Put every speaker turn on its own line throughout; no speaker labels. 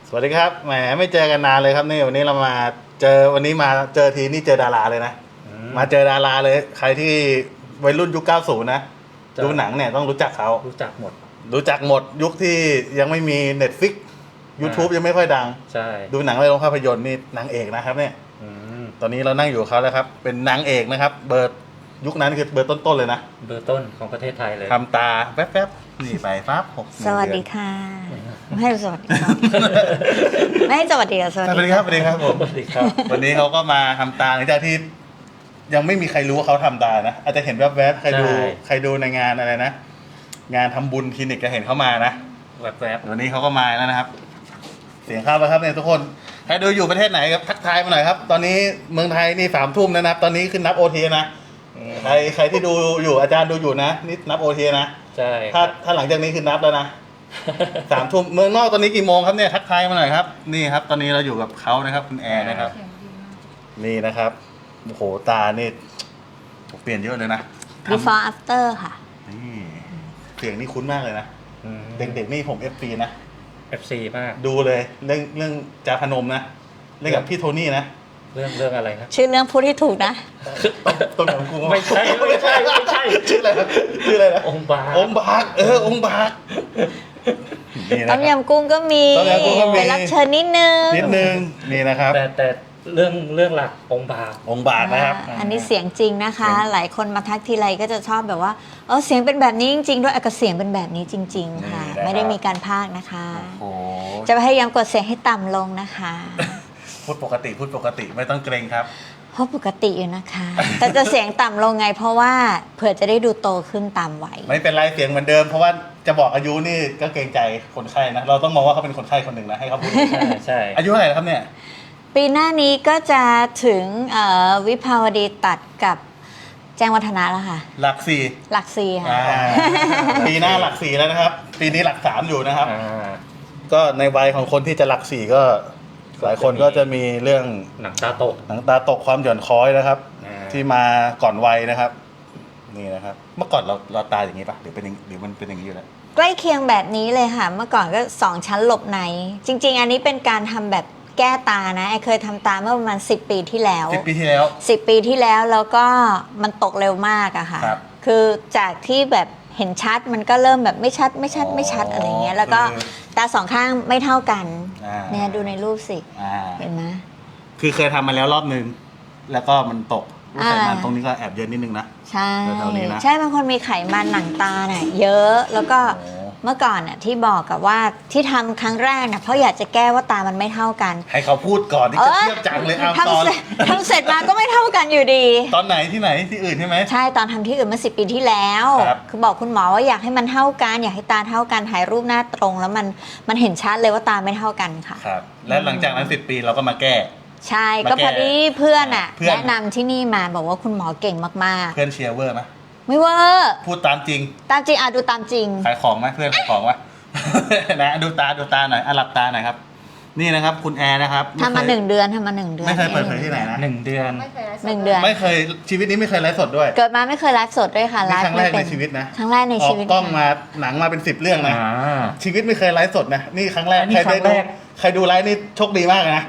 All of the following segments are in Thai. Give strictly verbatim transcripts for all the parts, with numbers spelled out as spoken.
สวัสดีครับแหมไม่เจอกันนานเลยครับนี่วันนี้เรามาเจอวันนี้มาเจอทีนี่เจอดาราเลยนะมาเจอดาราเลยใครที่วัยรุ่นยุคเก้าสิบนะดูหนังเนี่ยต้องรู้จักเขา
รู้จักหมด
รู้จักหมดยุคที่ยังไม่มี Netflix YouTube ยังไม่ค่อยดัง
ใช่
ดูหนังในโรงภาพยนตร์นี่นางเอกนะครับเนี่ยตอนนี้เรานั่งอยู่กับเขาแล้วครับเป็นนางเอกนะครับเบอร์ยุคนั้นคือเบอร์ต้นๆเลยนะ
เบอร์ต้นของประเทศไทยเลย
ทำตาแป๊บๆนี่ไปปั๊บ
สวัสดีค่ะไม่ให้สวัสดีครับไม่ให้สวัสดีค่ะสวัสดี
ครับสวัสดีครับผม
สวัสดีครับ
วันนี้เขาก็มาทำตาหลังจากที่ยังไม่มีใครรู้ว่าเขาทำตานะอาจจะเห็นแวบๆใครดูใครดูในงานอะไรนะงานทำบุญคลินิกจะเห็นเขามานะ
แวบ
ๆวันนี้เขาก็มาแล้วนะครับเสียงเข้าแล้วครับเนี่ยทุกคนใครดูอยู่ประเทศไหนครับทักทายมาหน่อยครับตอนนี้เมืองไทยนี่สามทุ่มนะครับตอนนี้ขึ้นนับโอทีนะใครใครที่ดูอยู่อาจารย์ดูอยู่นะนี่นับโอทีนะ
ใช่
ถ้าถ้าหลังจากนี้คือนับแล้วนะสามทุ่มเมืองนอกตอนนี้กี่โมงครับเนี่ยทักทายมาหน่อยครับนี่ครับตอนนี้เราอยู่กับเขานะครับคุณแอร์นะครับนี่นะครับโอ้โหตานี่เปลี่ยนเยอะเลยนะ
before after ค่ะ
นี่เสียงนี่คุ้นมากเลยนะเด็กๆนี่ผม เอฟ ซี นะ
เอฟ ซี มาก
ดูเลยเรื่องเรื่องจาพนมนะเล่นกับพี่โทนี่นะ
เรื่องเรื่องอะไรนะ
ชื่อเรื่องพูดที่ถูกนะ
ต้นของกู
ไม่ใช่ไม่ใช่ไม่ใช่
ชื่ออะไรนะชื่ออะไรนะ
องค์บาก
องค์บากเออองค์บาก
ต้มยำกุ้งก็มีไปรับเชิญนิดนึง
นิดนึงนี่นะครับ
แต่แต่เรื่องเรื่องหลักองค์บาก
องค์บากนะครับ
อันนี้เสียงจริงนะคะหลายคนมาทักทีไรก็จะชอบแบบว่าเออเสียงเป็นแบบนี้จริงๆด้วยอากาศเสียงเป็นแบบนี้จริงๆค่ะไม่ได้มีการพากย์นะคะจะพยายามกดเสียงให้ต่ำลงนะคะ
พูดปกติพูดปกติไม่ต้องเกรงครับ
เพราะปกติอยู่นะคะแต่จะเสียงต่ำลงไงเพราะว่าเผื่อจะได้ดูโตขึ้นตามวัย
ไม่เป็นไรเสียงเหมือนเดิมเพราะว่าจะบอกอายุนี่ก็เกรงใจคนไข้นะเราต้องมองว่าเขาเป็นคนไข้คนหนึ่งนะให้เขาพูด
ใช่ใช่
อายุเท่าไหร่ครับเนี่ย
ปีหน้านี้ก็จะถึงวิภาวดีตัดกับแจ้งวัฒนะแล้วค่ะ
หลักสี่
หลักสี่ค่ะ
ปีหน้าหลักสี่แล้วนะครับปีนี้หลักสามอยู่นะครับก็ในวัยของคนที่จะหลักสี่ก็หลายคนก็จะมีเรื่อง
หนังตาตก
หนังตาตกความหย่อนคล้อยนะครับที่มาก่อนวัยนะครับนี่นะครับเมื่อก่อนเราเราตาอย่างนี้ป่ะหรือเป็นหรือมันเป็นอย่างนี้อยู่แล้ว
ใกล้เคียงแบบนี้เลยค่ะเมื่อก่อนก็สองชั้นหลบในจริงๆอันนี้เป็นการทำแบบแก้ตานะไอเคยทำตาเมื่อประมาณสิบปีที่แล้ว
สิบปีที่แล้ว
สิบปีที่แล้วแล้วก็มันตกเร็วมากอะค่ะคือจากที่แบบเห็นชัดมันก็เริ่มแบบไม่ชัดไม่ชัดไม่ชัดอะไรเงี้ยแล้วก็ตาสองข้างไม่เท่ากันเนี่ยดูในรูปสิเห็นไหม
คือเคยทำมาแล้วรอบนึงแล้วก็มันตกไขมันตรงนี้ก็แอบเยอะนิดนึงนะ
ใช่ใช่บางคนมีไขมันหนังตาเนี่ยเยอะแล้วก็เมื่อก่อนน่ะที่บอกกับว่าที่ทำครั้งแรกน่ะเพราะอยากจะแก้ว่าตามันไม่เท่ากัน
ให้เขาพูดก่อนที่จะเทียบจังเลยเอาตอน
ทำเสร็จมาก็ไม่เท่ากันอยู่ดี
ตอนไหนที่ไหนที่อื่นใช่ไหม
ใช่ตอนทำที่อื่นเมื่อสิบปีที่แล้วคือบอกคุณหมอว่าอยากให้มันเท่ากันอยากให้ตาเท่ากันถ่ายรูปหน้าตรงแล้วมันมันเห็นชัดเลยว่าตาไม่เท่ากันค่ะ
ครับและหลังจากนั้นสิบปีเราก็มาแก้
ใช่ก็พอดีเพื่อนอ่ะแนะนำที่นี่มาบอกว่าคุณหมอเก่งมากๆ
เพื่อนเชียร์เวอร์ไหม
ไม่เวอร์
พูดตามจริง
ตามจริงอ่ะดูตามจริง
ขายของไหมเพื่อนขายของวะนะดูตาดูตาหน่อยอ่ะหลับตาหน่อยครับนี่นะครับคุณแอร์นะครับ
ทำมาหนึ่งเดือนทำมาหนึ่งเดือน
ไม่เคยเปิดเผยที่ไหนนะ
หนึ่งเดือน
หนึ่งเดือน
ไม่เคยชีวิตนี้ไม่เคยไลฟ์สดด้วย
เกิดมาไม่เคยไลฟ์สดด้วยค่ะ
ไลฟ์ครั้งแรกในชีวิตนะ
ครั้งแรกในชีวิต
ออกกล้องมาหนังมาเป็นสิบเรื่องนะชีวิตไม่เคยไลฟ์สดนะนี่ครั้งแรกใครได้ดูใครดูไลฟ์นี่โชคดีมากนะ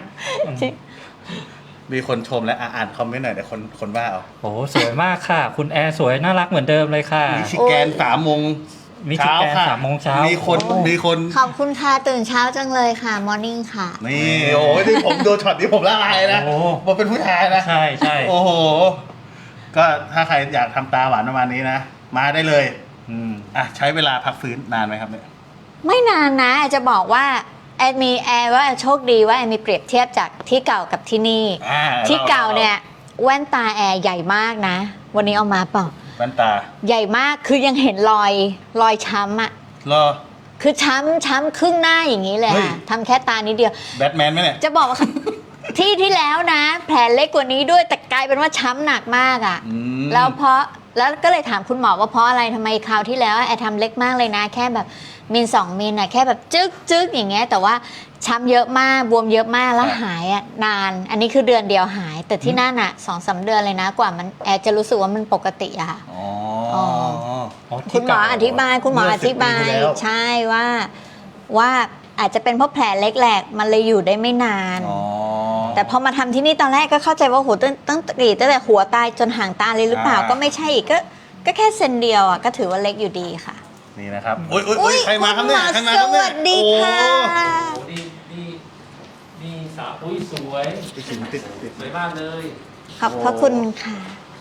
มีคนชมและอ่านคอมเมนต์หน่อยแต่คนคนว่าเอา
โอ้สวยมากค่ะคุณแอร์สวยน่ารักเหมือนเดิมเลยค่ะ
มีชิแกนสามโมง
มีชิแกนสามโมงเช้า
มีคนมีคน
ขอบคุณค่ะตื่นเช้าจังเลยค่ะมอร์นิ่งค่ะ
นี่โอ้ยที่ผมดูช็อตนี้ผมละลายนะผมเป็นผู้ชายนะ
ใช่ใช่
โอ้โหก็ถ้าใครอยากทำตาหวานประมาณนี้นะมาได้เลยอืมอ่ะใช้เวลาพักฟื้นนานไหมครับเนี่ย
ไม่นานนะจะบอกว่าแอดมีแอร์ว่าโชคดีว่าแอร์มีเปรียบเทียบจากที่เก่ากับที่นี่ที่เก่าเนี่ยแว่นตาแอร์ใหญ่มากนะวันนี้เอามาเปล่า
แว่นตา
ใหญ่มากคือยังเห็นรอยรอยช้ำอ่ะ
รอ
คือช้ำช้ำครึ่งหน้าอย่างนี้เลยค่ะทำแค่ตานิดเดียว
แบทแมนไหมเนี่ย
จะบอกว่า ที่ที่แล้วนะแผลเล็กกว่านี้ด้วยแต่กลายเป็นว่าช้ำหนักมากอ่ะแล้วเพราะแล้วก็เลยถามคุณหมอว่าเพราะอะไรทำไมคราวที่แล้วแอร์ทำเล็กมากเลยนะแค่แบบมิลสองมิลน่ะแค่แบบจึ๊กจึ๊กอย่างเงี้ยแต่ว่าช้ำเยอะมากบวมเยอะมากแล้วหายอ่ะนานอันนี้คือเดือนเดียวหายแต่ที่นั่นอ่ะสองสามเดือนเลยนะกว่ามันแอร์จะรู้สึกว่ามันปกติอะค่ะคุณหมออธิบายคุณหมออธิบายใช่ว่าว่าอาจจะเป็นเพราะแผลเล็กแหลกมันเลยอยู่ได้ไม่นาน
อ๋อ
แต่พอมาทำที่นี่ตอนแรกก็เข้าใจว่าโหตั้งตั้งกรีดตั้งแต่หัวตายจนหางตาเลยหรือเปล่า
อ่า
ก็ไม่ใช่อีกก็ก็แค่เซนเดียวอ่ะก็ถือว่าเล็กอยู่ดีค่ะ
นี่นะครับอุ้ยอุ้ยอุ้ยใครมาครับเนี่ย
ณห
ใคร
อ
มา
ส
ครับเนี่ย
วัสดีค่ะ
โอ้ดีดีดีสาวอุ้ยสวย
โอ้ติดติดติด
สวยมากเลย
ขอบพระคุณค่ะ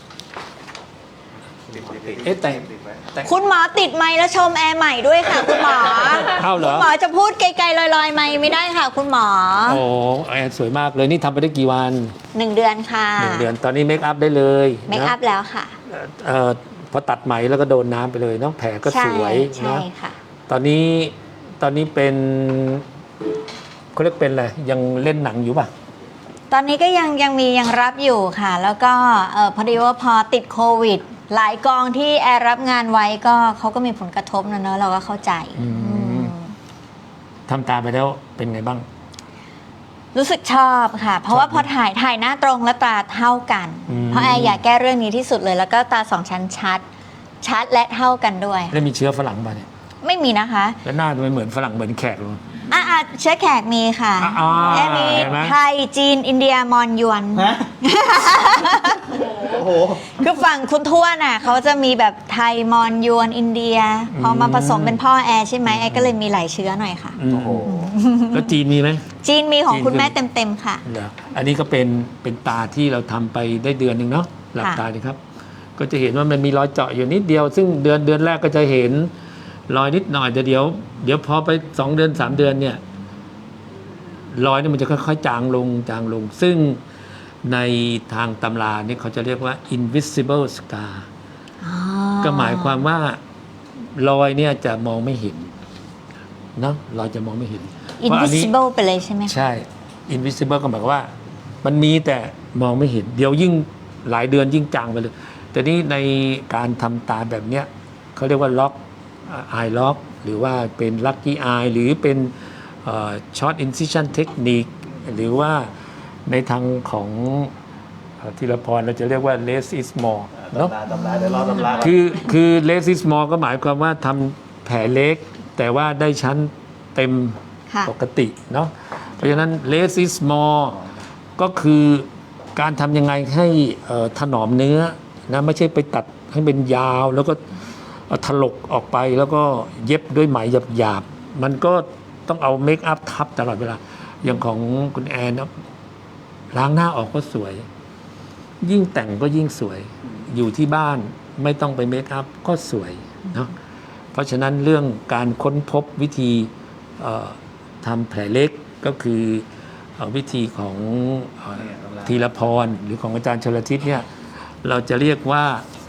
ติดติดติด
เอ๊ะแต่
ติดไว้
แต่
คุณหมอติดไมค์แล้วชมแอร์ใหม่ด้วยค่ะ คุณหมอ
เอาเหร
คุ
อ
ณหมอจะพูดไกลๆลอยๆไมค์ไม่ได้ค่ะ คุณหมอ
โอ้แอนสวยมากเลยนี่ทำไปได้กี่วัน
หนึ่งเดือนค่ะ
หนึ่งเดือนตอนนี้เมคอัพได้เลย
เมคอัพ
นะ
แล้วค่ะ
เอ่อพอตัดไหมแล้วก็โดนน้ำไปเลยเนาะแผลก็
ใช่
สวย
ใช่
นะ
ค่ะ
ตอนนี้ตอนนี้เป็นเขาเรียกเป็นอะไรยังเล่นหนังอยู่ป่ะ
ตอนนี้ก็ยังยังมียังรับอยู่ค่ะ แล้วก็เออพอดีว่าพอติดโควิด หลายกองที่แอร์รับงานไว้ก็เขาก็มีผลกระทบนะเนอะเราก็เข้าใจ
อืม
อืม
ทำตามไปแล้วเป็นไงบ้าง
รู้สึกชอบค่ะ เพราะว่าพอถ่ายถ่ายหน้าตรงและตาเท่ากัน
อืม
เพราะแอร์อยากแก้เรื่องนี้ที่สุดเลย แล้วก็ตาสองชั้นชัด ชัดและเท่ากันด้วย
แล้วมีเชื้อฝรั่งป่ะเนี่ย
ไม่มีนะคะ
แล้วหน้าทำไมเหมือนฝรั่งเหมือนแขกเลย
อ่ะอ่ะเชื้อแขกมีค่ะ
อ่า
แอร์มี
เห็นไหม
ไทยจีนอินเดียมอญยวน
ฮะโอ้โห
คือฝั่งคุณทวดน่ะเขาจะมีแบบไทยมอญยวนอินเดีย พอมาผสมเป็นพ่อแอร์ใช่ไหมแอร์ก็เลยมีหลายเชื้อหน่อยค่ะ
อืม
โอ้โห
แล้วจีนมีไหม
จีนมีของ
จีน
คุณแม่
คือ
เต็มๆค่ะ
เหรออันนี้ก็เป็นเป็นตาที่เราทำไปได้เดือนหนึ่งเนาะหลับ
ค่ะ
ตาดีครับ ก็จะเห็นว่ามันมีรอยเจาะอยู่นิดเดียว ซึ่งเดือนเดือนแรกก็จะเห็นรอยนิดหน่อยแต่เดี๋ยว เดี๋ยวพอไปสองเดือนสามเดือนเนี่ยรอยนี่มันจะค่อยๆจางลงจางลง ซึ่งในทางตำราเนี่ยเขาจะเรียกว่า invisible scar
อ๋อ
ก็หมายความว่ารอยเนี่ยจะมองไม่เห็นเนาะรอยจะมองไม่เห็น
อิน
เพราะ
วิ
อันนี้
ซิเบิลไปเลยใช่ไหมคะ
ใช่ invisible ก็หมายความว่า มันมีแต่มองไม่เห็น เดี๋ยวยิ่งหลายเดือนยิ่งจางไปเลย แต่นี่ในการทำตาแบบเนี้ยเขาเรียกว่าล็อก eye lock หรือว่าเป็น lucky eye หรือเป็นเอ่อ short incision technique หรือว่าในทางของเอ่อธีรพรเราจะเรียกว่า less is more เนาะ
ตำราตำราเดี๋ยวรอตำราก่อน
คือคือ less is more ก็หมายความว่าทำแผลเล็ก แต่ว่าได้ชั้นเต็ม
ค่ะ
ปกติเนาะเพราะฉะนั้น less is more ก็คือการทำยังไงให้เอ่อถนอมเนื้อนะไม่ใช่ไปตัดให้เป็นยาว แล้วก็เอาถลกออกไปแล้วก็เย็บด้วยไหมหยาบๆ มันก็ต้องเอาเมคอัพทับตลอดเวลา อย่างของคุณแอนนะล้างหน้าออกก็สวย ยิ่งแต่งก็ยิ่งสวย อยู่ที่บ้านไม่ต้องไปเมคอัพก็สวยเนาะเพราะฉะนั้นเรื่องการค้นพบวิธีเอ่อทำแผลเล็กก็คือเอ่อวิธีของเอ่อธีรพรหรือของอาจารย์ชลทิศเนี่ยเราจะเรียกว่า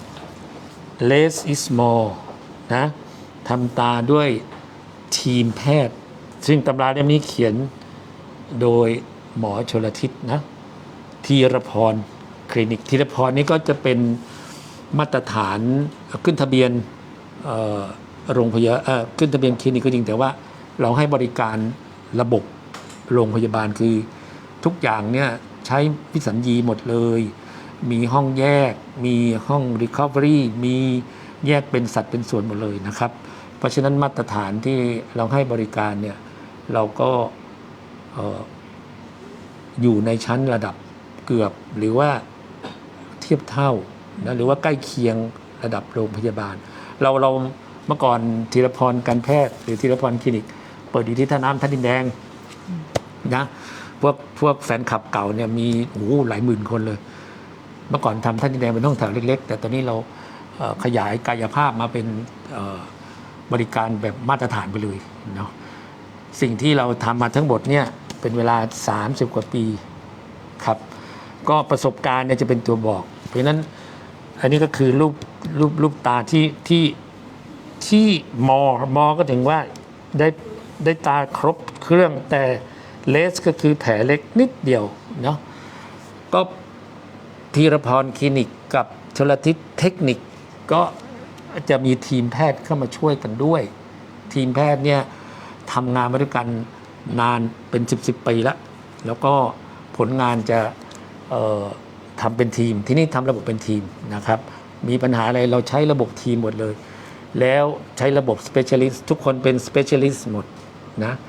less is more นะทำตาด้วยทีมแพทย์ ซึ่งตำราเล่มนี้เขียนโดยหมอชลทิศนะธีรพรคลินิกธีรพรนี่ก็จะเป็นมาตรฐานขึ้นทะเบียนเอ่อโรงพยาบาลเอ่อขึ้นทะเบียนคลินิกก็จริงแต่ว่าเราให้บริการระบบโรงพยาบาลคือทุกอย่างเนี่ยใช้พิสัญญีหมดเลย มีห้องแยก มีห้อง Recovery มีแยกเป็นสัดเป็นส่วนหมดเลยนะครับ เพราะฉะนั้นมาตรฐานที่เราให้บริการเนี่ยเราก็เอ่ออยู่ในชั้นระดับเกือบหรือว่าเทียบเท่านะหรือว่าใกล้เคียงระดับโรงพยาบาล เราเราเมื่อก่อนธีรพรการแพทย์หรือธีรพรคลินิก เปิดอยู่ที่ท่าน้ำท่าดินแดงนะพวกพวกแฟนคลับเก่าเนี่ยมีโอ้โหหลายหมื่นคนเลย เมื่อก่อนทำท่าดินแดงเป็นห้องแถวเล็กๆ แต่ตอนนี้เราเอ่อขยายกายภาพมาเป็นเอ่อบริการแบบมาตรฐานไปเลยเนาะสิ่งที่เราทำมาทั้งหมดเนี่ยเป็นเวลาสามสิบกว่าปีครับก็ประสบการณ์เนี่ยจะเป็นตัวบอก เพราะฉะนั้นอันนี้ก็คือรูปรูปรูปตาที่ที่ที่มอมอก็ถึงว่าได้ได้ตาครบเครื่องแต่เลสก็คือแผลเล็กนิดเดียวเนาะก็ธีรพรคลินิกกับชลทิศเทคนิคก็จะมีทีมแพทย์เข้ามาช่วยกันด้วย ทีมแพทย์เนี่ยทำงานมาด้วยกันนานเป็นสิบสิบปีแล้วแล้วก็ผลงานจะเอ่อทำเป็นทีมที่นี่ทำระบบเป็นทีมนะครับมีปัญหาอะไรเราใช้ระบบทีมหมดเลย แล้วใช้ระบบ specialist ทุกคนเป็น specialist หมดนะ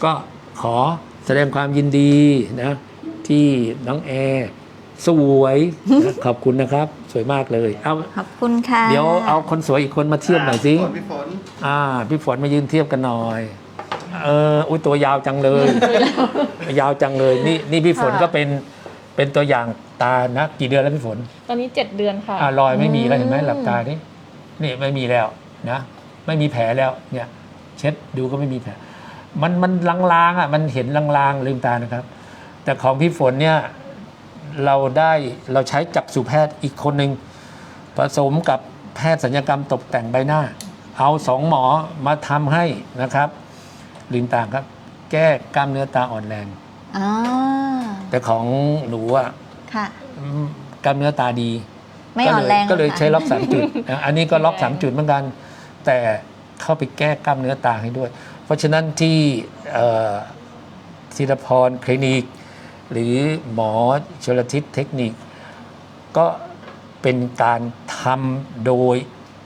ก็ขอแสดงความยินดีนะที่น้องแอร์สวยนะขอบคุณนะครับ สวยมากเลยเอา
ขอบคุณค่ะ
เดี๋ยวเอาคนสวยอีกคนมาเทียบหน่อยสิ
ฝนพี่ฝน
อ่าพี่ฝนมายืนเทียบกันหน่อย เอออุ้ยตัวยาวจังเลย ยาวจังเลย นี่นี่พี่ฝนก็เป็นเป็นตัวอย่างตานะ กี่เดือนแล้วพี่ฝน
ตอนนี้เจ็ดเดือนค่ะ
อ่ารอยไม่มีแล้วเห็นไหมหลับตาดินี่ไม่มีแล้วนะ ไม่มีแผลแล้วเนี่ย เช็ดดูก็ไม่มีแผล มันมันลางๆอ่ะมันเห็นลางๆลืมตานะครับ แต่ของพี่ฝนเนี่ยเราได้เราใช้จักษุแพทย์อีกคนหนึ่งผสมกับแพทย์ศัลยกรรมตกแต่งใบหน้า เอาสองหมอมาทำให้นะครับลืมตาครับ แก้กล้ามเนื้อตาอ่อนแรง
อ๋อ
แต่ของหนูอ่ะ
ค่ะ
อืมกล้ามเนื้อตาดี
ไม่อ่อนแรง
ก็เลย
หรอคะ
ใช้ล็อกสามจุดนะอันนี้ก็ล็อกสามจุดเหมือนกัน แต่เข้าไปแก้กล้ามเนื้อตาให้ด้วย เพราะฉะนั้นที่เอ่อธีรพรคลินิก หรือหมอชลทิศเทคนิค ก็เป็นการทำโดย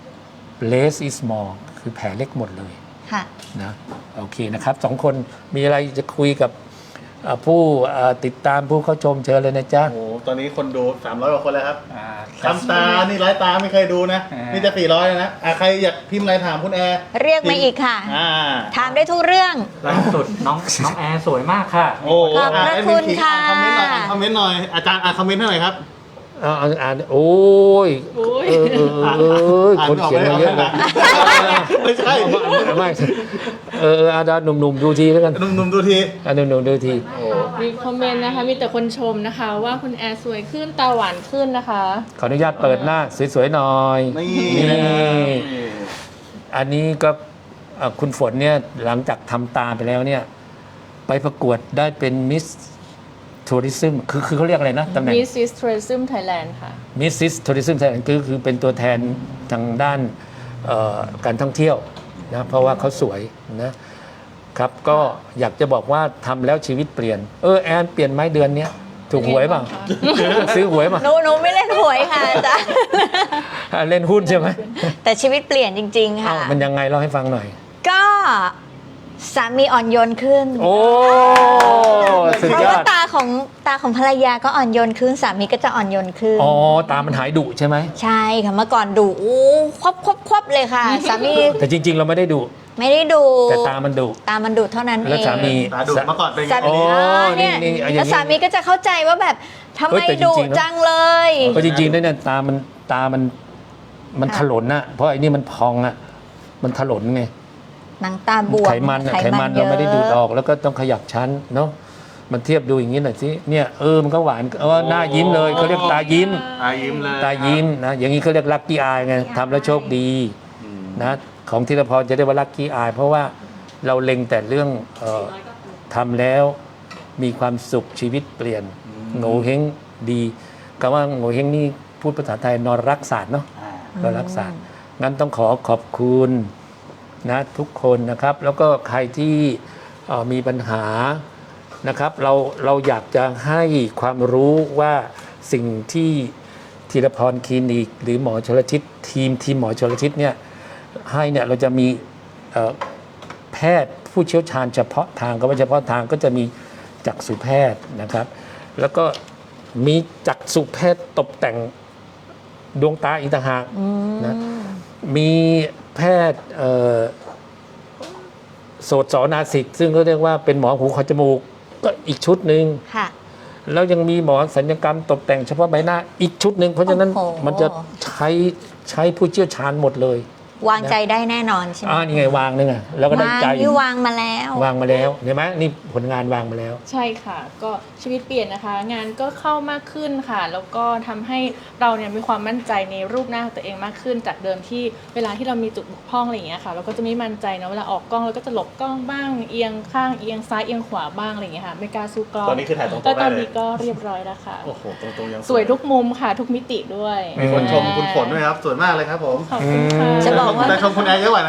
less is more คือแผลเล็กหมดเลย
ค่ะ
นะโอเคนะครับสองคนมีอะไรจะคุยกับเอ่อผู้เอ่อติดตามผู้เข้าชมเชิญเลยนะจ๊ะ
โอ้โหตอนนี้คนดูสามร้อยกว่าคนแล้วครับ
อ่า
คำตา นี่ร้ายตาไม่เคยดูนะ
อ่านี่
นี่จะสี่ร้อยนะอ่ะใครอยากพิมพ์อะไรถามคุณแอร์
เรียกมาอีกค่ะ
อ่า
ถามได้ทุกเรื่อง
ล่าสุดน้องน้องแอร์สวยมากค่ะ
โอ้
ขอบพระ
อ่แดมิน
คุณ
ขิง
ค่ะ
อ่านคอมเมนต์หน่อยอ่านคอมเมนต์หน่อย อาจารย์อ่านคอมเมนต์ให้หน่อยครับ
อ่าอ่านอ่านโอ้ย
โอ้ย
เออเออเออเออ
อ่าน
คน
ไม่ออก
เขียนมาเยอะเลย
ไม่ใช่
ไม่ไม่เออเอออาดาหนุ่มๆดูทีแล้วกัน
หนุ่มๆดูที
อ่าหนุ่มๆดูที
มีคอมเมนต์นะคะ มีแต่คนชมนะคะ ว่าคุณแอร์สวยขึ้นตาหวานขึ้นนะคะ
ขออนุญาตเปิดหน้าสวยๆหน่อย
นี่
นี่
นะครับ
อันนี้ก็เอ่อคุณฝนเนี่ยหลังจากทำตาไปแล้วเนี่ย ไปประกวดได้เป็นมิสทัวริซึมคือคือเขาเรียกอะไรนะตำแหน่ง
Missus Tourism Thailand ค่ะ
มิสซิสทัวริซึมไทยแลนด์คือคือเป็นตัวแทนทางด้านเอ่อการท่องเที่ยวนะเพราะว่าเขาสวยนะครับ ก็อยากจะบอกว่าทำแล้วชีวิตเปลี่ยน เออแอนเปลี่ยนไหมเดือนเนี้ยถูกหวยเปล่า ซื้อหวยเปล่า
หนูหนูไม่เล่นหวยค่ะอาจารย์
อ่ะเล่นหุ้นใช่ไหม
แต่ชีวิตเปลี่ยนจริง ๆ
เอ้า
ค่ะ
มันยังไงเล่าให้ฟังหน่อย
ก็สามีอ่อนโยนขึ้น
โอ้สุด
เพราะ
ยอ
ว่า
ด
ตาของตาของภรรยาก็อ่อนโยนขึ้น สามีก็จะอ่อนโยนขึ้น
อ๋อตามันหายดุใช่ไหม
ใช่ค่ะเมื่อก่อนดุอู้ควบควบควบเลยค่ะ สามี
แต่จริง ๆ เราไม่ได้ดุ
ไม่ได้ดุ
แต่ตามันดุ
ตามันดุเท่านั้นเอง
แล้วสามี
ตาดุเมื่อก่อนเป็นไง
สา
โอ้
มีอ่าเนี่ย
นี่นี่เอาอย่างนี้
แล้วสามีก็จะเข้าใจว่าแบบทำ
เฮ้
ไม
ยแต่จริ
ดุ
งๆนะ
จังเลย
ก็จริงๆแล้วเนี่ยตามันตามันมัน
ค่ะ
ถลนน่ะเพราะไอ้นี่มันพองอ่ะมันถลนไง
หนังตาบวม
ไขมันอะไขมันเราไม่ได้ดูดออกแล้วก็ต้องขยับชั้นเนาะมันเทียบดูอย่างนี้หน่อยสิเนี่ยเออมันก็หวานเออหน้ายิ้มเลยเขาเรียกตายิ้ม
ตายิ้มเลย
ตายิ้มนะอย่างนี้เขาเรียกลัคกี้อายไงทำแล้วโชคดี
อืม
นะของธีรพรจะเรียกว่าลัคกี้อายเพราะว่าเราเล็งแต่เรื่องเอ่อทำแล้วมีความสุขชีวิตเปลี่ยนโง่เฮงดีคำว่าโง่เฮงนี่พูดภาษาไทยนอนรักศาสตร์เนาะ
อ่า
ก็รักษา งั้นต้องขอขอบคุณนะทุกคนนะครับ แล้วก็ใครที่เอ่อมีปัญหานะครับ เราเราอยากจะให้ความรู้ว่าสิ่งที่ธีรพรคลินิก หรือหมอชลทิศทีมทีมหมอชลทิศเนี่ยให้เนี่ยเราจะมีเอ่อแพทย์ผู้เชี่ยวชาญเฉพาะทางก็ว่าเฉพาะทางก็จะมีจักษุแพทย์นะครับ แล้วก็มีจักษุแพทย์ตกแต่งดวงตาอีกต่างหากนะ มีแพทย์เอ่อโสตสนาสิกซึ่งเขาเรียกว่าเป็นหมอหูคอจมูกก็อีกชุดหนึ่ง
ค่ะ
แล้วยังมีหมอศัลยกรรมตกแต่งเฉพาะใบหน้าอีกชุดหนึ่งเพราะฉะนั้น
โอ้โห
มันจะใช้ใช้ผู้เชี่ยวชาญหมดเลยว
างใจได้แน่นอนใช่ไหม
อ่านี่ไงวางนึงอ่ะแล้วก็ได้
วาง
ใจ
นี่วางมาแล้ว
วางมาแล้วเห็นไหมนี่ผลงานวางมาแล้ว
ใช่ค่ะ ก็ชีวิตเปลี่ยนนะคะ งานก็เข้ามากขึ้นค่ะ แล้วก็ทำให้เราเนี่ยมีความมั่นใจในรูปหน้าของตัวเองมากขึ้น จากเดิมที่เวลาที่เรามีจุดบกพร่องอะไรอย่างเงี้ยค่ะ เราก็จะไม่มั่นใจนะเวลาออกกล้องเราก็จะหลบกล้องบ้างเอียงข้างเอียงซ้ายเอียงขวาบ้างอะไรอย่างเงี้ยค่ะไม่กล้าสู้กล้อง
ตอนนี้คือถ่ายตรงๆ
แต่ตอน
ได้เลย
นี้ก็เรียบร้อยแล้วค่ะ
โอ้โห ตรงๆยัง
สวยทุกมุมค่ะ ทุกมิติด้วย
มีคนชมคุณฝนด้วยครับ สวยมากเลยครับผม
ขอบคุณค่ะ
จะบอกว่า
แต่ชมคุณแอร์เยอะกว่านะ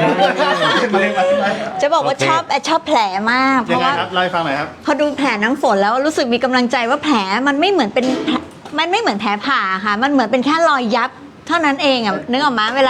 จะบอกว่า
โอเค
ชอบแอดชอบแผลมาก เพ
ยัง
ราะ
ไง
ว่า
ครับเล่าให้ฟังหน่อยครับ
พอดูแผลน้ำฝนแล้วรู้สึกมีกำลังใจว่าแผลมันไม่เหมือนเป็นแผลมันไม่เหมือนแผลผ่าค่ะ มันเหมือนเป็นแค่รอยยับเท่านั้นเองอ่ะนึกออกมาเวลา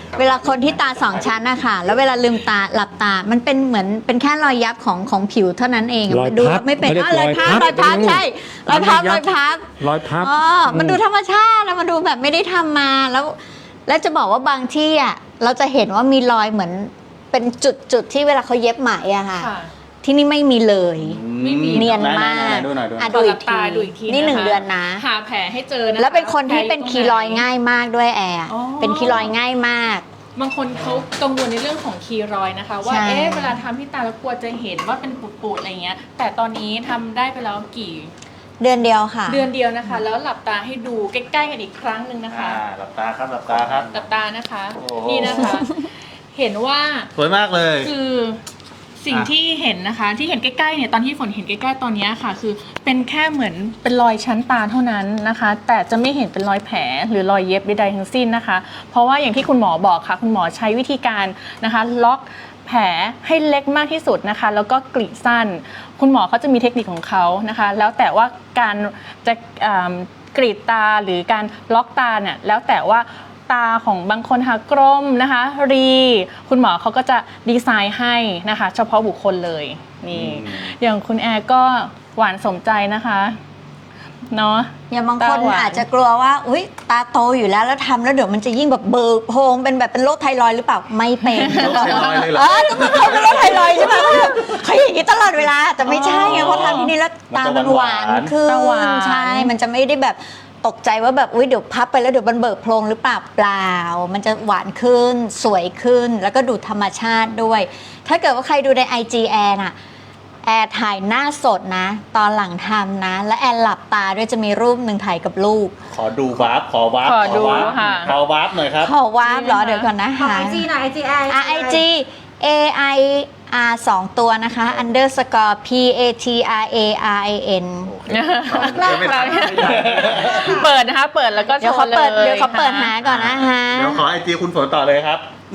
เวลาคนที่ตาสองชั้นนะคะแล้วเวลาลืมตาหลับตา มันเป็นเหมือนเป็นแค่รอยยับของของผิวเท่านั้นเอง
รอย
ดู
พับ
ไม่เป็น
เขาเรียก
อ๋อรอยพับ
ร
ร
อ
อย ย
พั
พั
บบ
ใช่รอยพับรอยพับ
รอยพับ
อ๋อมันดูธรรมชาติแล้วมันดูแบบไม่ได้ทำมาแล้ว แล้วจะบอกว่าบางที่อ่ะเราจะเห็นว่ามีรอยเหมือนเป็นจุดจุดๆที่เวลาเขาเย็บไหมอะค่ะ
ค่ะ
ที่นี่ไม่มีเลย
ไม่มี
เนียนมาก
ไหนๆๆดูหน่อยดูหน่อย
อ่ะ
ดู
ดู
อี
อี
ก
ก
ที
ที
ดูอีกที
นี่หนึ่ง
ะคะ
เดือนนะ
หาแผลให้เจอนะคะ
แล้วเป็นคนที่เป็น
แผล
คีรอยง่ายมากด้วยแอร์
อ๋อ
เป็นคีรอยง่ายมาก
บางคนเขากังวลในเรื่องของคีรอยนะคะ ว่า
ใช่
เอ๊ะเวลาทำที่ตาแล้วกลัวจะเห็นว่าเป็นปูดๆอะไรเงี้ย แต่ตอนนี้ทำได้ไปแล้วกี่
เดือนเดียวค่ะ
เดือนเดียวนะคะ แล้วหลับตาให้ดูใกล้ๆกันอีกครั้งหนึ่งนะคะ
อ่าหลับตาครับหลับตาครับ
หลับตานะคะ
โอ้
นี่นะคะ เห็นว่า
สวยมากเลย
คือสิ่ง
อ่ะ
ที่เห็นนะคะ ที่เห็นใกล้ๆเนี่ยตอนที่ฝนเห็นใกล้ๆตอนเนี้ยค่ะ คือเป็นแค่เหมือนเป็นรอยชั้นตาเท่านั้นนะคะ แต่จะไม่เห็นเป็นรอยแผลหรือรอยเย็บใดๆทั้งสิ้นนะคะ เพราะว่าอย่างที่คุณหมอบอกค่ะ คุณหมอใช้วิธีการนะคะ ล็อกแผลให้เล็กมากที่สุดนะคะ แล้วก็กรีดสั้น คุณหมอเขาจะมีเทคนิคของเขานะคะ แล้วแต่ว่าการจะอ่ากรีดตาหรือการล็อกตาเนี่ยแล้วแต่ว่าตาของบางคนค่ะกลมนะคะรีคุณหมอเขาก็จะดีไซน์ให้นะคะ เฉพาะบุคคลเลยนี่
อืม
อย่างคุณแอร์ก็หวานสมใจนะคะเนาะ
อย่างบางคน
ตาหวาน
อาจจะกลัวว่าอุ้ยตาโตอยู่แล้วแล้วทำแล้วเดี๋ยวมันจะยิ่งแบบเบิกโพรงเป็นแบบเป็นโรคไทรอยด์หรือเปล่าไม่เป็น
โรคไทรอยด์เลยเหรอ
เออทุกคนเป็นโรคไทรอยด์ใช่ไหมเขาอย่างนี้ตลอดเวลาแต่ไม่ใช่ไงเพราะทำที่นี่แล้วตามันหวานขึ้
ตาหวาน
นใช่มันจะไม่ได้แบบตกใจว่าแบบอุ้ยเดี๋ยวพับไปแล้วเดี๋ยวมันเบิกโพรงหรือเปล่าเปล่า มันจะหวานขึ้นสวยขึ้นแล้วก็ดูธรรมชาติด้วย ถ้าเกิดว่าใครดูใน ไอ จี แอนน่ะ แอร์ถ่ายหน้าสดนะ ตอนหลังทำนะ และแอร์หลับตาด้วยจะมีรูปหนึ่งถ่ายกับลูก
ขอดูวาร์ปขอวาร์ป
ขอดู
วาร์ป
ค่ะ
ขอวาร์ปหน่อยครับ
ขอวาร์ปเหรอเดี๋ยวก่อนนะ
ขอ
หา
ไอจีหน่อยไอจีไอ
ไอจี A I R สองตัวนะคะ underscore P A T R A R I N
ไม่ทันไม่ทัน
เปิดนะคะ เปิดแล้วก็โช
เดี๋ยว
ว์
เขา
เลย
เปิดเดี๋ยวเขาเปิด
ค่ะ
หาก่อนนะคะ
เดี๋ยวขอไอจีคุณฝนต่อเลยครับ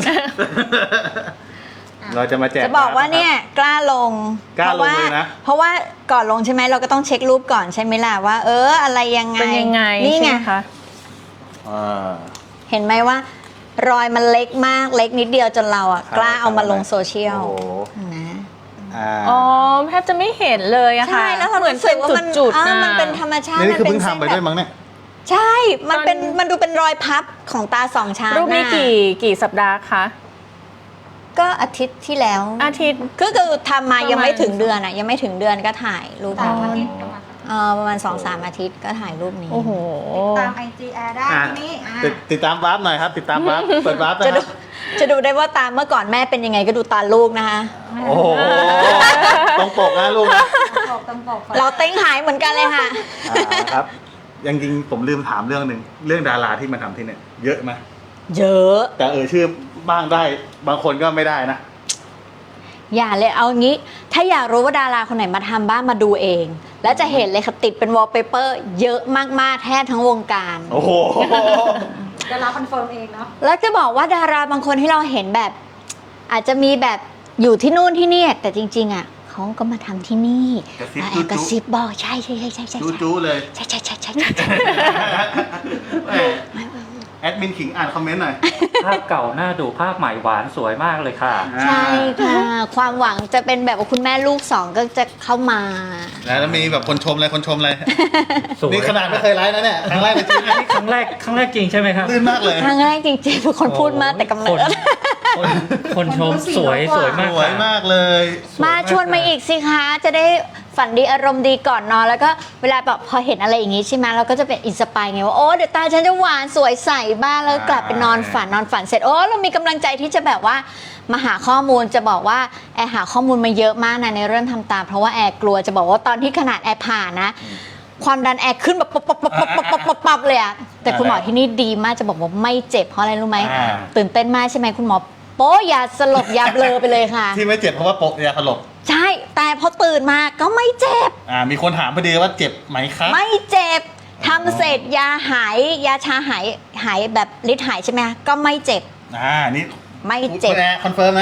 เราจะมาแจก
จะบอกว่าเนี่ยกล้าลง
กล้าลง
เพระว่
เลยนะ
เพราะว่าก่อนลงใช่ไหมเราก็ต้องเช็ครูปก่อนใช่ไหมล่ะว่า เอออะไรยังไง
เป็นยังไง
นี่
ใช่
ไง
ไหมคะ
อ่า
เห็นไหมว่ารอยมันเล็กมากเล็กนิดเดียวจนเราอ่ะ
ครับ
กล้าเอามาลงโซเชียล
โอ้โห
นะ
อ่า
อ๋อแทบจะไม่เห็นเลยอะค่ะ
ใช่แล้วเรา
เหมือน
รู้สึ
เป็
ก
น
ว่ามัน
จุดๆ
อ่า
นะ
มันเป็นธรรมชาติ
นี่คือ
มั
เพิ่ง
ส้
ทำไปด้วยมั้งเนี่ย
ใช่ มันเป็น
ตอน
มันดูเป็นรอยพับของตาสองชั้น
รูปนี้
น่ะ
กี่กี่สัปดาห์คะ
ก็อาทิตย์ที่แล้ว
อาทิตย์
ก็คือทำมา
ประมาณ
ยังไม่ถึงเดือนอ่ะยังไม่ถึงเดือนก็ถ่ายรูป
สาม
นี้
อาทิตย์ประมาณ
เออประมาณสองสามอาทิตย์ก็ถ่ายรูปนี้
โอ้โห
ตามไอจีแอได้
อ่ะ
ที่นี่อ่ะ
ติดติดตามวาร์ปหน่อยครับ ติดตามวาร์ปเปิดวาร์ปนะ
จะ
ค
ดู
รับ
จะดูได้ว่าตาเมื่อก่อนแม่เป็นยังไงก็ดูตาลูกนะคะ
โอ้โหตรงปกนะลูกนะ
ตรงปกตรงปก
เราเต้งหายเหมือนกันเลยค่ะ
อ่าครับยังจริงผมลืมถามเรื่องหนึ่งเรื่องดาราที่มาทำที่เนี่ยเยอะไหม
เยอะ
แต่เออชื่อบ้างได้บางคนก็ไม่ได้นะ
อย่าเลยเอางี้ ถ้าอยากรู้ว่าดาราคนไหนมาทำบ้านมาดูเอง แล้วจะเห็นเลยค่ะติดเป็นวอลเปเปอร์เยอะมากๆแทบทั้งวงการ
โอ้โห
เดี๋ยวเราคอนเฟิร์มเองเนาะ
แล้วจะบอกว่าดาราบางคนที่เราเห็นแบบ อาจจะมีแบบอยู่ที่นู่นที่นี่แต่จริง ๆอ่ะเขาก็มาทำที่นี่
กระซิบ
อ่ะ
จุ๊
กระ
ๆ
ซิบบอกใช่ใช่ใช่ใช่ใช่
จู้จู้เลย
ใช่ใช่ใช่ใช่ใช่ใช่
แหมแอดมินขิงอ่านคอมเมนต์หน่อย
ภาพเก่าหน้าดูภาพใหม่หวานสวยมากเลยค่ะ
ใช่ค่ะ ความหวังจะเป็นแบบว่าคุณแม่ลูกสองก็จะเข้ามา
แล้วมีแบบคนชมอะไรคนชมอะไร
สวย
นี่ขนาดไม่เคยไลฟ์นะเนี่ยครั้งแรกในชีวิตนะ
ครั้งแรกครั้งแรกจริงใช่ไหมครับ
ลื่นมากเลย
ครั้งแรกจริงๆเป็นคนพูดมากแต่กำเนิด
คนคนชมสวยสวยมาก
สวยมากเลย
มาชวนมาอีกสิคะจะได้ฝันดีอารมณ์ดีก่อนนอนแล้วก็เวลาแบบพอเห็นอะไรอย่างงี้ใช่ไหมเราก็จะเป็นอินสปายไงว่าโอ้เดี๋ยวตาฉันจะหวานสวยใสบ้างแล้วกลับไปนอนฝันนอนฝันเสร็จโอ้เรามีกำลังใจที่จะแบบว่ามาหาข้อมูลจะบอกว่าแอร์หาข้อมูลมาเยอะมากนะในเรื่องทำตา เพราะว่าแอร์กลัวจะบอกว่าตอนที่ขนาดแอร์ผ่านะ ความดันแอร์ขึ้นแบบปั๊บปั๊บปั๊บปั๊บปั๊บปั๊บปั๊บเลยอะแต่คุณหมอที่นี่ดีมากจะบอกว่าไม่เจ็บเพราะอะไรรู้ไหม
อ่า
ตื่นเต้นมากใช่ไหมคุณหมอโป๊ะยาสลบยาเบลอไปเลยค่ะ
ที่ไม่เจ็บเพราะว่าโปะยาสลบ
ใช่แต่พอตื่นมาก็ไม่เจ็บ
อ่ามีคนถามพอดีว่าเจ็บไหมครับ
ไม่เจ็บทำเสร็จยาหายยาชาหายหายแบบฤทธิ์หายใช่ไหมคะก็ไม่เจ็บ
อ่านี่
ไม่เจ็บ
คุณแอร์คอนเฟิร์มนะ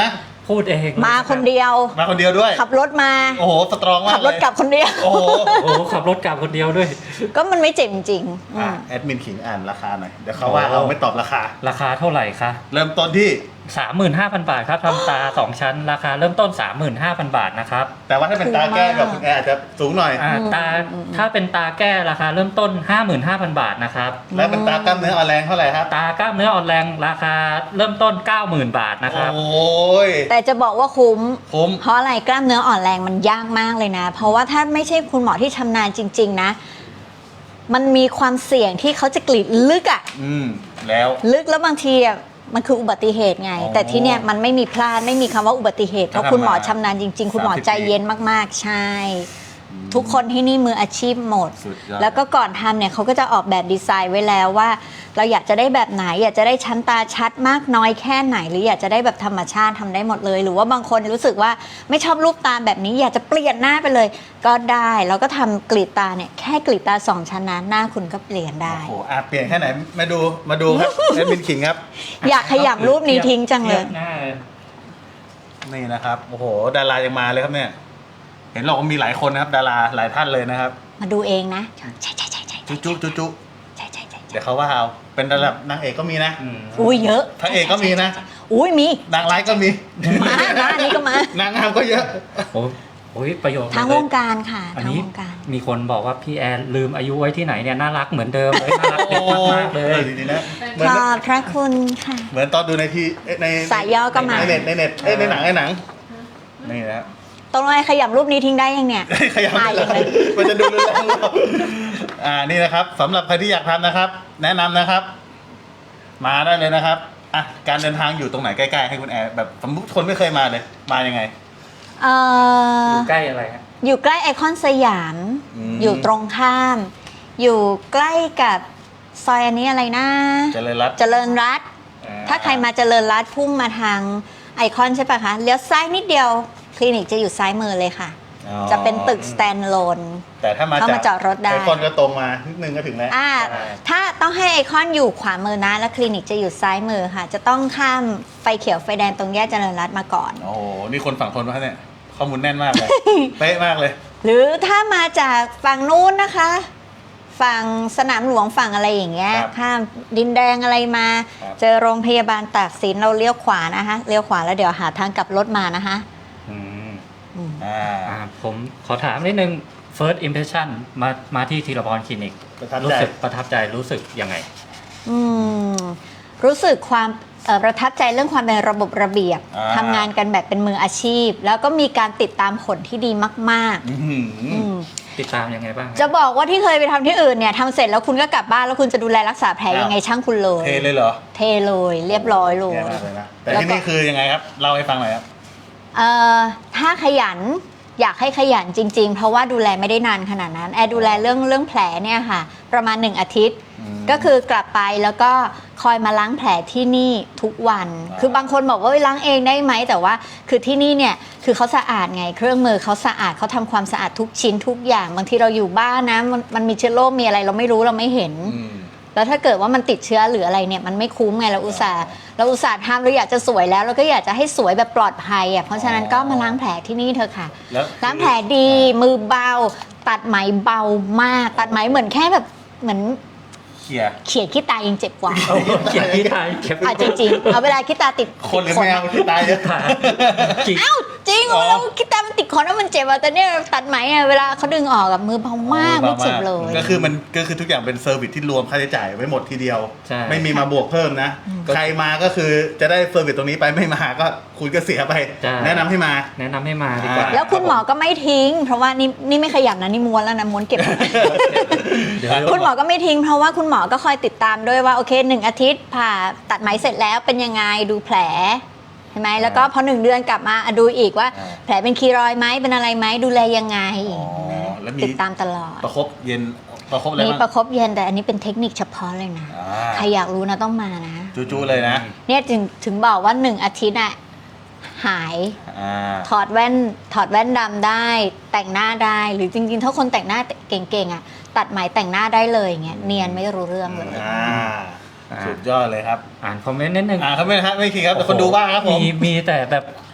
พูดเอง
มาคนเดียว
มาคนเดียวด้วย
ขับรถมา
โอ้โหสตรองมาก
ขับรถ
เลย
กลับคนเดียว
โอ้โห
โอ้โหขับรถกลับคนเดียวด้วย
ก็มันไม่เจ็บจริงๆอื
อ่ะ
ม
แอดมินขิงอ่านราคาหน่อยเดี๋ยวเขาว่าเอาไม่ตอบราคา
ราคาเท่าไหร่คะ
เริ่มต้นที่
สามหมื่นห้าพันบาทครับทำตาสองชั้น ราคาเริ่มต้น สามหมื่นห้าพันบาทนะครับ
แต่ว่าถ้าเป็นตาแก้กับคุณแอร์อาจจะสูงหน่อย
อ่าตาถ้าเป็นตาแก้ราคาเริ่มต้น ห้าหมื่นห้าพัน บาทนะครับ
และเป็นตากล้ามเนื้ออ่อนแรงเท่าไหร่ครับ
ตากล้ามเนื้ออ่อนแรงราคาเริ่มต้น เก้าหมื่น บาทนะครับ
โอ้ย
แต่จะบอกว่าคุ้ม
คุ้ม
เพราะอะไรกล้ามเนื้ออ่อนแรงมันยากมากเลยนะ เพราะว่าถ้าไม่ใช่คุณหมอที่ชำนาญจริง ๆ นะ มันมีความเสี่ยงที่เขาจะกรีดลึกอะ
อืมแล้ว
ลึกแล้วบางทีอะมันคืออุบัติเหตุไง
อ๋อ
แต่ที่เนี่ยมันไม่มีพลาดไม่มีคำว่าอุบัติเหตุเพราะ
ถ้า
คุณหมอ
ทำมา
ชำนาญจริง ๆ คุณหมอ
สามสิบ
ใจเย็นมากๆ ใช่ ทุกคนที่นี่มืออาชีพหมด
สุดยอด
แล้วก็ก่อนทำเนี่ยเขาก็จะออกแบบดีไซน์ไว้แล้วว่า เราอยากจะได้แบบไหน อยากจะได้ชั้นตาชัดมากน้อยแค่ไหน หรืออยากจะได้แบบธรรมชาติทำได้หมดเลย หรือว่าบางคนรู้สึกว่าไม่ชอบรูปตาแบบนี้ อยากจะเปลี่ยนหน้าไปเลย ก็ได้แล้วก็ทำกรีดตาเนี่ยแค่กรีดตาสองชั้นนะหน้าคุณก็เปลี่ยนได้
โอ้โหอ่ะเปลี่ยนแค่ไหนมาดูมาดูครับ แอดมินขิงครับ
อยากขยับรูปนี้ทิ้งจังเลย
ทีบหน้า
นี่นะครับโอ้โหดารายังมาเลยครับเนี่ย เห็นเรามีหลายคนนะครับ ดาราหลายท่านเลยนะครับ
มาดูเองนะใช่ใช่ใช่ใช่
จุ๊จุ๊จุ๊จุ๊
ใช่ใช่ใช่
เดี๋ยวเขาว่าเอาเป็นระดับนางเอกก็มีนะ
อืม
อุ้ยเยอะ
พระเอกก็มีนะ
อุ้ยมี
นางร้ายก็มี
มานะอันนี้ก็มา
นางงามก็เยอะ
โอ้โอ้ยประโยชน์
ทาง
เล
วย งการค่ะ
อัน
ทาง
นี้
วงการ
มีคนบอกว่าพี่แอนลืมอายุไว้ที่ไหนเนี่ยน่ารักเหมือนเดิมเลยน่ารักเด็กมากๆเล
เอย อจริงๆนะเหมือน
ขอบพระคุณค่ะ
เหมือนตอนดูในทีใน
สายย่อก็มา
ในเน็ตในเน็ตเอ้ยในหนังในหนังนี่นะ
ตรงไหนขยับรูปนี้ทิ้งได้ยังเนี่ย
ขยับ
ตาย
เล
ยังเลย ย
มันจะดูรุนแรงหรือเปล่าอ่านี่นะครับสำหรับใครที่อยากทำนะครับ แนะนำนะครับ มาได้เลยนะครับอ่ะการเดินทางอยู่ตรงไหนใกล้ๆให้คุณแอร์แบบสมมติคนไม่เคยมาเลย มายังไง
เอ่อ
อยู่ใกล้อะไรฮะ
อยู่ใกล้ไอคอนสยาม
อืม
อยู่ตรงข้าม อยู่ใกล้กับซอยอันนี้อะไรนะ
เจริญรัตน์
เจริญรัตน์ถ้าใครมาเจริญรัตน์พุ่งมาทางไอคอนใช่ปะคะเลี้ยวซ้ายนิดเดียวคลินิกจะอยู่ซ้ายมือเลยค่ะ
อ๋อ
จะเป็นตึก stand-alone
แต่ถ้ามา
เข้ามาจอดรถได้
ไอคอนก็ตรงมานิดนึงก็ถึงแล้ว
อ่าถ้าต้องให้ไอคอนอยู่ขวามือนะ แล้วคลินิกจะอยู่ซ้ายมือค่ะ จะต้องข้ามไฟเขียวไฟแดงตรงแยกเจริญรัตน์มาก่อน
โอ้โหนี่คนฝั่งทนมาเนี่ยข้อมูลแน่นมากเลย เป๊ะมากเลย
หรือถ้ามาจากฝั่งนู้นนะคะ ฝั่งสนามหลวงฝั่งอะไรอย่างเงี้ย
ครับ
ข้ามดินแดงอะไรมา
ครับ
เจอโรงพยาบาลตากสินเราเลี้ยวขวานะคะเลี้ยวขวาแล้วเดี๋ยวหาทางกลับรถมานะคะ
อืม
อืม
อ่า
อ่าผมขอถามนิดนึง first impression มามาที่ธีรพรคลินิก
ประทับ
รู้
ใจ
สึกประทับใจรู้สึกยังไง
อืมรู้สึกความเอ่อประทับใจเรื่องความเป็นระบบระเบียบ
อ่า
ทำงานกันแบบเป็นมืออาชีพ แล้วก็มีการติดตามผลที่ดีมาก
อื้อหือ
ๆ อืม
ติดตามยังไงบ้าง
จะบอกว่าที่เคยไปทำที่อื่นเนี่ยทำเสร็จแล้วคุณก็กลับบ้านแล้วคุณจะดูแลรักษาแผลยังไงช่างคุณเลย
เทเลยเหรอ
เทเลยเรียบร้อยเลย
แย่มากเลยนะแต่
แล้ว
ที่
ก็
นี่คือยังไงครับเล่าให้ฟังหน่อยครับ
เอ่อถ้าขยันอยากให้ขยันจริง ๆ เพราะว่าดูแลไม่ได้นานขนาดนั้นแอร์ดูแลเรื่องเรื่องแผลเนี่ยค่ะ ประมาณหนึ่งอาทิตย์
อืม
ก็คือกลับไปแล้วก็คอยมาล้างแผลที่นี่ทุกวัน
อ่า
คือบางคนบอกว่าเอ้ยล้างเองได้ไหมแต่ว่าคือที่นี่เนี่ยคือเขาสะอาดไง เครื่องมือเขาสะอาดเขาทำความสะอาดทุกชิ้นทุกอย่างบางทีเราอยู่บ้านนะมันมันมีเชื้อโรคมีอะไรเราไม่รู้เราไม่เห็น
อืม
แล้วถ้าเกิดว่ามันติดเชื้อหรืออะไรเนี่ยมันไม่คุ้มไงเราอุตส่าห์เราอุตส่าห์ทำเราอยากจะสวยแล้วเราก็อยากจะให้สวยแบบปลอดภัยอ่ะเพราะฉะนั้นก็มาล้างแผลที่นี่เถอะค่ะ
แล้ว
ล้างแผลดีมือเบา ตัดไหมเบามาก ตัดไหมเหมือนแค่แบบเหมือน
เขี่ย
เขียดขี้ตายังเจ็บกว่า
เขียนที่ไทยเก็บ
อ่ะจริงๆเอาเวลาขี้ตาติด
คนหรือ
ติด
แมวที่ตายเยอะ
จริง
อ้าวจริง
อ๋อ
เวลาขี้ตามันติดคอแล้วมันเจ็บอ่ะแต่เนี่ยตัดไหมอ่ะเวลาเขาดึงออกกับมือเบามากไม่เจ็บเลย
ก็คือมันก็คือทุกอย่างเป็นเซอร์วิสที่รวมค่าใช้จ่ายไว้หมดทีเดียว
ใช่
ไม่มีมาบวกเพิ่มนะ ใครมาก็คือจะได้เซอร์วิสตรงนี้ไปไม่มาก็คุณก็เสียไป
ใช่
แนะนำให้มา
แนะนำให้มาดีกว่า
แล้วคุณหมอก็ไม่ทิ้ง เพราะว่านี่นี่ไม่ขยับนะนี่ม้วนแล้วนะม้วนเก็บ
เดี๋ยว
คุณหมอก็ไม่ทิ้งเพราะว่าคุณหมอก็คอยติดตามด้วยว่าโอเคหนึ่งอาทิตย์ผ่าตัดไหมเสร็จแล้วเป็นยังไงดูแผลใช่ไหมแล้วก็พอหนึ่งเดือนกลับมาอ่ะดูอีกว่า
อ่า
แผลเป็นคีรอยด์ไหมเป็นอะไรไหมดูแลยังไง
อ๋อแล้วมี
ติดตามตลอด
ประคบเย็นประคบอะไร
มี
บ้าง
ประคบเย็นแต่อันนี้เป็นเทคนิคเฉพาะเลยนะ
อ่า
ใครอยากรู้นะต้องมานะ
จูๆเลยนะ
เนี่ยถึงถึงบอกว่าหนึ่งอาทิตย์อะหาย
อ่า
ถอดแว่นถอดแว่นดำได้ แต่งหน้าได้หรือจริงๆ ถ้าคนแต่งหน้าเก่งๆอะตัดไหมแต่งหน้าได้เลยอย่างเงี้ยเนียนไม่รู้เรื่องเลย
อ่าสุดยอดเลยครับ
อ่านคอมเมนต์นิดนึง
อ่าครับไม่นะครับไม่คิดครับแต่คนดูบ้างครับผม
มีมีแต่แบบ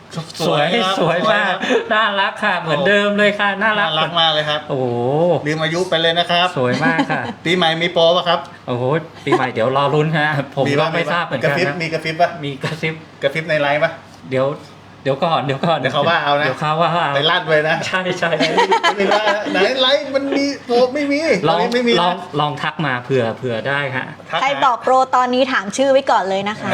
สวย
ครับ
สวยมาก น่ารักค่ะ เหมือนเดิมเลยค่ะ น่ารั
น่าก รักมากเลยครับ
โอ้โห
ลืมอายุไปเลยนะครับ
สวยมากค่ะ
ปีใหม่มีโปรป่ะครับ
โอ้โห ปีใหม่เดี๋ยวรอรุ้นฮะ ผมก็
บ้ง
ไม่ทราบเหมือน
กระ
กัน
ฟิบ
นะ
มีกระฟิบป่ะ
มีกระซิบ
กระฟิบในไลฟ์ป่ะ
เดี๋ยว เดี๋ยวก่อน เดี๋ยวก่อน
เดี๋ยวเขาว่าเอานะ
เดี๋ยวเขาว่าเอา
ไปลั่นไว้นะ
ใช่ใช่
ไม่ได้นะไหนไลฟ์มันมีโปรไม่มี
ลอง
ตนนี้ไม่มี
ลอง
นะ
ลองทักมาเผื่อเผื่อได้ฮะ
ทัก
ใคร
หา
บอกโปรตอนนี้ถามชื่อไว้ก่อนเลยนะคะ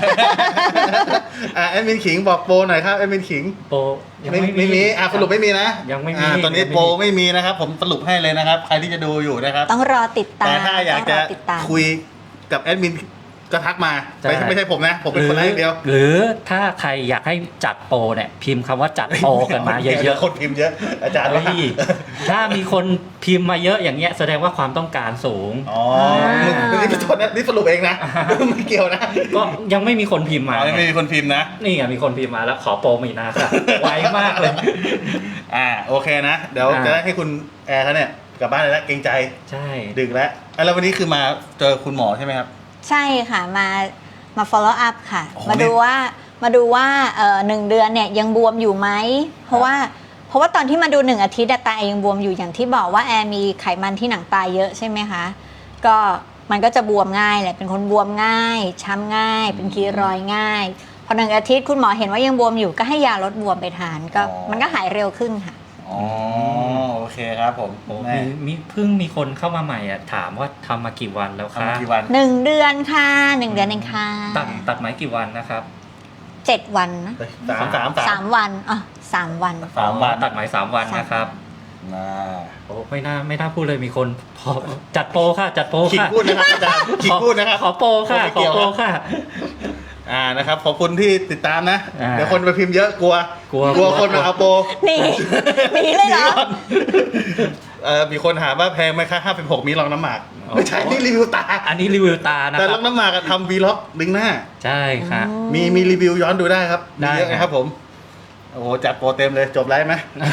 อ่ะแอดมินขิงบอกโปรหน่อยครับแอดมินขิง
โปรยัง
ไม่
ไม่
ไม่มีอ่ะสรุปไม่มีนะ
ยังไม่มี
อ่ะตอนนี้
ยังไม่มี
โปรไม่มีนะครับ ผมสรุปให้เลยนะครับ ใครที่จะดูอยู่นะครับ
ต้องรอติดตาม
แต่ถ้าอยาก
ต้
จะ
งรติดตาม
คุยกับแอดมินก็ทักมา
ใช่
ไม่ใช่ไม่ใช่ผมนะ ผมเป็นคนไลฟ์อย่างเดียว
หรือถ้าใครอยากให้จัดโปรเนี่ย พิมพ์คำว่าจัดโปรกันมาเยอะ
ๆคนพิมพ์เยอะ อาจารย์ว่า
เฮ้ยถ้ามีคนพิมพ์มาเยอะอย่างเงี้ยแสดงว่าความต้องการสูง
อ๋อนี่เป็นโทษนะนี่สรุปเองนะ ไม่เกี่ยวนะ
ก็ยังไม่มีคนพิมพ์มา
อ๋อยังไม่มีคนพิมพ์นะ
นี่ไงมีคนพิมพ์มาแล้วขอโปรมีนาค่ะ ไวมากเลย
อ่าโอเคนะ เดี๋ยว
อ่า
จะได้ให้คุณแอร์เขาเนี่ยกลับบ้านเลยแล้วเกรงใจ
ใช่
ดึกแล้วอ่ะแล้ววันนี้คือมาเจอคุณหมอใช่ไหมครับ
ใช่ค่ะมามา follow up ค่ะ
โอ้โห
มาดูว่ามาดูว่าเอ่อหนึ่งเดือนเนี่ยยังบวมอยู่ไหมเพราะว่าเพราะว่าตอนที่มาดูหนึ่งอาทิตย์อะตาแอร์ยังบวมอยู่อย่างที่บอกว่าแอร์มีไขมันที่หนังตาเยอะใช่ไหมคะก็มันก็จะบวมง่ายแหละเป็นคนบวมง่าย ช้ำง่าย เป็นคีรอยด์ง่ายพอหนึ่งอาทิตย์คุณหมอเห็นว่ายังบวมอยู่ก็ให้ยาลดบวมไปทานก็มันก็หายเร็วขึ้นค่ะ
อ๋อโอเคครับผม
โอ้
แม่
มีมีเพิ่งมีคนเข้ามาใหม่อ่ะถามว่าทำมากี่วันแล้ว
ทำ
คะ
มากี่วัน
หนึ่งเดือนค่ะหนึ่งเดือนเองค่ะ
ตัดตัดไหมกี่วันนะครับ
เจ็ดวันนะ
สามสามสา
สาม มวันอ๋อสามวัน
สามวัน
ตัดไหมสามวันนะครับ
นะ
โอ้ไม่น่าไม่น่าพูดเลยมีคนพอจัดโปรค่ะจัดโปร
ขิง
ค่ะ
พูดนะครับอาจารย์ขิงพูดนะครับ
ขอโปรค่ะ
ไม่
ข
เกี่
อ
ยว
โปรค่ะ
อ่านะครับขอบคุณที่ติดตามนะ
อ่า
เดี๋ยวคนไปพิมพ์เยอะกลัว
กลัว
กลัวคนมาเอาโปร
หนีหนีเลยเหรอ
ก่อนเออมีคนถามว่าแพงไหมคะห้าเป็นหกมีรองน้ำหมากไม่ใช่นี่รีวิวตา
อันนี้รีวิวตานะ
แต่
ค
ร
รั
อบ งน้ำหมากอะทำวีล็อกลิงก์หน้า
ใช่ค่ะ
มีมีรีวิวย้อนดูได้ครับ
ได้
มีเยอะนะครับผม โอ้โหจัดโปรเต็มเลยจบไลฟ์ไหม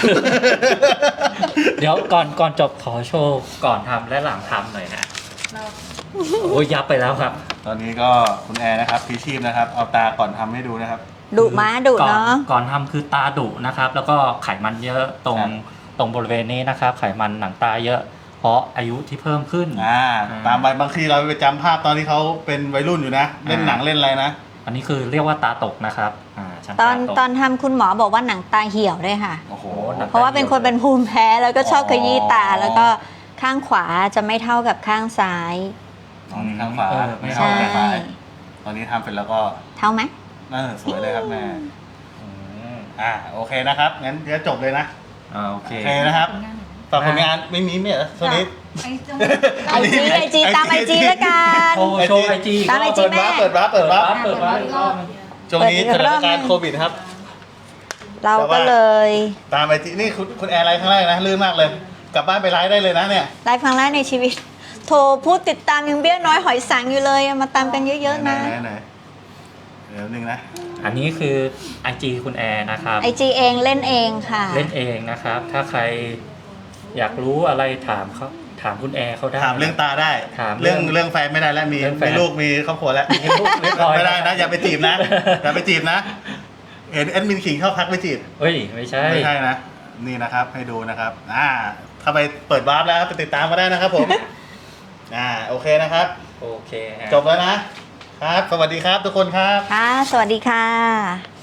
เดี๋ยวก่อนก่อนจบขอโชว์ก่อนทำและหลังทำหน่อยฮะโอ้ยยับไปแล้วครับ
ตอนนี้ก็คุณแอร์นะครับพีชีพนะครับ เอาตาก่อนทำให้ดูนะครับ
ดุม้าดุ
ก่อน
เนาะ
ก่อนทำคือตาดุนะครับ แล้วก็ไขมันเยอะตรง
ครับ
ตรงบริเวณนี้นะครับ ไขมันหนังตาเยอะ เพราะอายุที่เพิ่มขึ้น
อ่า
อ่า
ตามไปบางทีเราไปจำภาพตอนที่เขาเป็นวัยรุ่นอยู่นะ เล่นหนังเล่นอะไรนะ
อันนี้คือเรียกว่าตาตกนะครับอ่าชั้น
ตอน
ตาตก
ตอนทำคุณหมอบอกว่าหนังตาเหี่ยวด้วยค่ะ
โอ้โห
หนัง
เพราะว่าเป็นคนเป็นภูมิแพ้แล้วก็ชอบขยี้ตา
อ๋อ
แล้วก็ข้างขวาจะไม่เท่ากับข้างซ้าย
ตอนนี้ข้างขวา
เออไม่
ใช่
เท่าข้างซ้ายตอนนี้ทำเป็นแล้วก็
เท่าไหม
น่าสวยเลยครับแม่อืมอ่าโอเคนะครับงั้นเดี๋ยวจบเลยนะ
อ่าโอเค
โอเคนะครับฝากผลงานไม่มีเนี่ยช่วงนี้
ไอ้จง
ไอจีไอจีตามไอจีแล้วกัน
โชว์โชว์ไอจี
ตาม IG แม่
เปิดวาร์ปเปิดวาร์ป
เปิ
เปิ
ด
ด
วา
วา
ร์
ร์
ป
ป
เปิดวาร์ป
ช่วงนี้สถานการณ์โควิดครับ
เราก็เลย
ตามไปที่นี่คุณคุณแอร์ไลน์ข้างแรกนะลื่นมากเลย กลับบ้านไปไลฟ์ได้เลยนะเนี่ย
ไลฟ์ครั้งแรกในชีวิต โทรพูดติดตามยังเบี้ยน้อยหอยสังอยู่เลยมาตามกันเยอะๆนะ
ไหไหไหเดี๋ยวหนึ่งนะ
อันนี้คือ ไอ จี คุณแอร์นะครับ
ไอจีเองเล่นเองค่ะ
เล่นเองนะครับ ถ้าใครอยากรู้อะไรถามเขาถามคุณแอร์เขาได้
ถามเรื่องตาได้
ถามเรื่
เรื่อ
อง ง
เรื่องแฟนไม่ได้แล้วมี
เรื่องแฟน
มีลูกมีครอบครัวแล้ว
มีลูกเรียบร้อย
ไม่ได้นะ อย่าไปจีบนะ อย่าไปจีบนะ เห็นแอดมินขิงเข้าพักไปจีบ
เฮ้ย ไม่ใช่
ไม่ใช่นะ นี่นะครับให้ดูนะครับ อ่าถ้าไปเปิดวาร์ปแล้วไปติดตามมาได้นะครับผม อ่าโอเคนะครับ
โอเคฮะ
จบแล้วนะ ครับ สวัสดีครับทุกคนครับ
ค่ะ สวัสดีค่ะ